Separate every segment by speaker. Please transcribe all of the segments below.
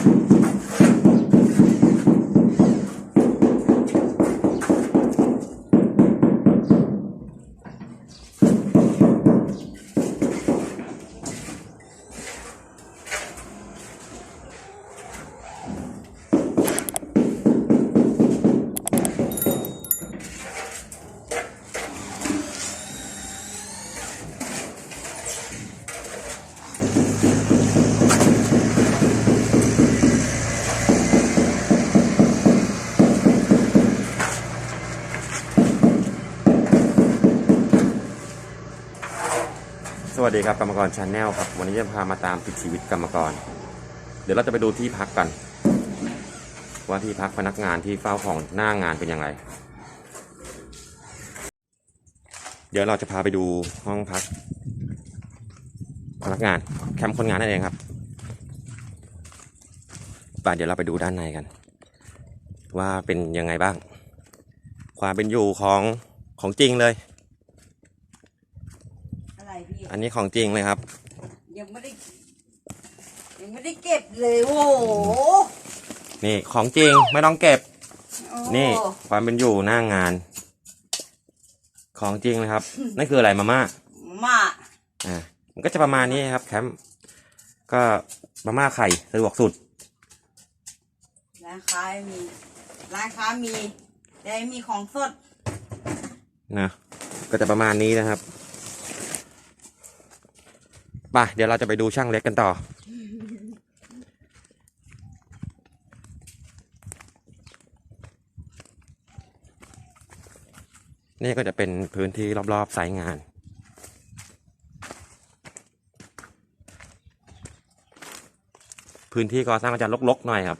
Speaker 1: สวัสดีครับกรรมกรชาแนลครับวันนี้จะพามาตามติดชีวิตกรรมกรเดี๋ยวเราจะไปดูที่พักกันว่าที่พักพนักงานที่เฝ้าของหน้างานเป็นยังไงเดี๋ยวเราจะพาไปดูห้องพักพนักงานแคมป์คนงานนั่นเองครับป่ะเดี๋ยวเราไปดูด้านในกันว่าเป็นยังไงบ้างความเป็นอยู่ของจริงเลยอันนี้ของจริงเลยครับ
Speaker 2: ยังไม่ได้เก็บเลยโอ้โห
Speaker 1: นี่ของจริงไม่ต้องเก็บนี่ความเป็นอยู่หน้างานของจริงเลยครับนั่นคืออะไรมาม่ามันก็จะประมาณนี้ครับแคมป์ก็มาม่าไข่สะดวกสุด
Speaker 2: ร้านค้ามีแต่มีของสด
Speaker 1: นะก็จะประมาณนี้นะครับป่ะเดี๋ยวเราจะไปดูช่างเล็กกันต่อนี่ก็จะเป็นพื้นที่รอบๆไซต์งานพื้นที่ก่อสร้างก็จะรกๆหน่อยครับ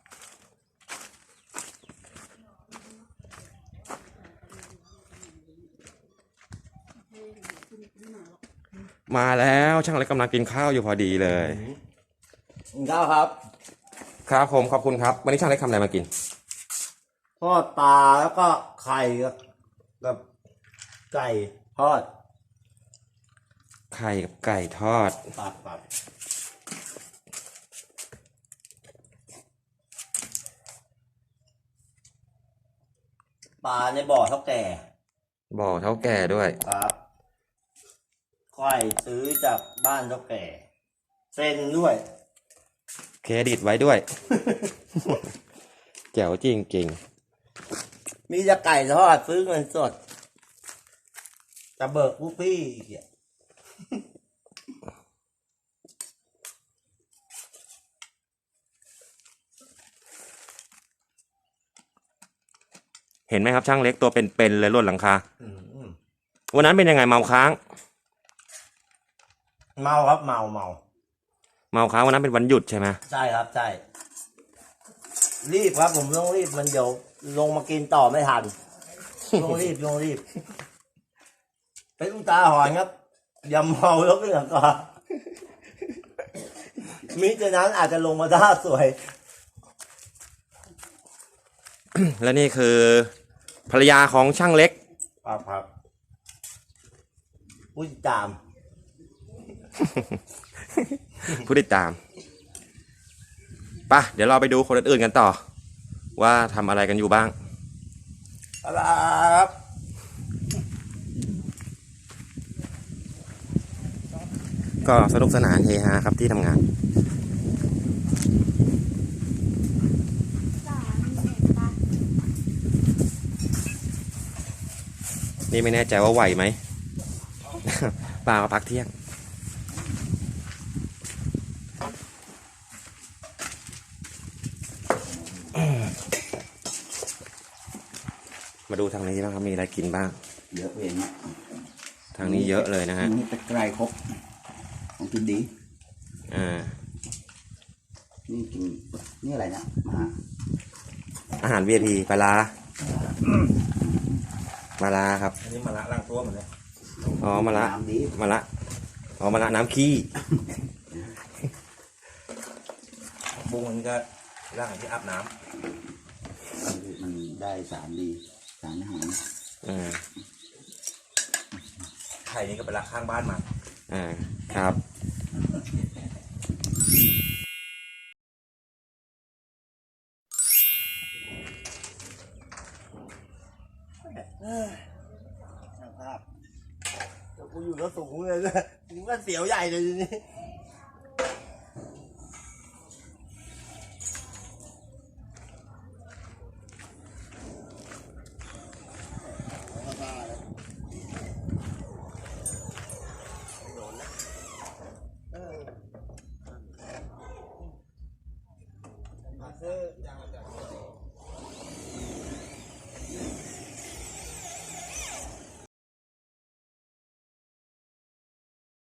Speaker 1: มาแล้วช่างเล็กกำลังกินข้าวอยู่พอดีเลย
Speaker 3: กินข้าวครับ
Speaker 1: ครับผมขอบคุณครับวันนี้ช่างเล็กทำอะไรมากิน
Speaker 3: ทอดปลาแล้วก็ไข่กับไก่ทอด
Speaker 1: ไข่กับไก่ทอด
Speaker 3: ปัดปลาในบ่อเท่าแก่
Speaker 1: ด้วย
Speaker 3: ครับไข่ซื้อจากบ้านเท่าแก่เซ็นด้วย
Speaker 1: เครดิตไว้ด้วย แจ๋วจริง
Speaker 3: มีจะไก่ทอดซื้อเงินสดจะเบิกผู้พี่
Speaker 1: เห็นไหมครับช่างเล็กตัวเป็นๆเลยล้นหลังคาวันนั้นเป็นยังไงเมาค้าง
Speaker 3: เมาครับเมา
Speaker 1: ค้างวันนั้นเป็นวันหยุดใช่ไหม
Speaker 3: ใช่ครับใช่รีบครับผมต้องรีบมันเดี๋ยวลงมากินต่อไม่ทันต้องรีบเป็นอุตาหอนครับอย่าเมาแล้วก็อย่างก่อนมิฉะนั้นอาจจะลงมาท่าสวย
Speaker 1: และนี่คือภรรยาของช่างเล็ก
Speaker 3: ครับผู้ติดตาม
Speaker 1: ผู้ติดตามป่ะเดี๋ยวเราไปดูคนอื่นๆกันต่อว่าทำอะไรกันอยู่บ้าง
Speaker 3: ครับ
Speaker 1: ก็สนุกสนานเฮฮาครับที่ทำงานนี่ไม่แน่ใจว่าไหวไหม ปลามาพักเที่ยงมาดูทางนี้บ้างครับมีอะไรกินบ้าง
Speaker 3: เยอะเอง
Speaker 1: ทางนี้เยอะเลยนะฮะ
Speaker 3: นี่ตะไคร้ครบของกินดีนี่กินนี่อะไรเนี่ย
Speaker 1: อาหาร VIP ปลาลาครับ
Speaker 3: อันนี้มะระล้างตัวหมดเลย
Speaker 1: อ๋อมะระน้ำขี้
Speaker 3: บุ้งมันก็ร่างที่อาบน้ำมันได้สารดีสารอาหารไข่นี่ก็ไปรักข้างบ้านมา
Speaker 1: ครับ
Speaker 4: อยู่ก็สูงเลยนะกูก็เสียวใหญ่เลยทีนี้โดนนะมาซื้ออย่าง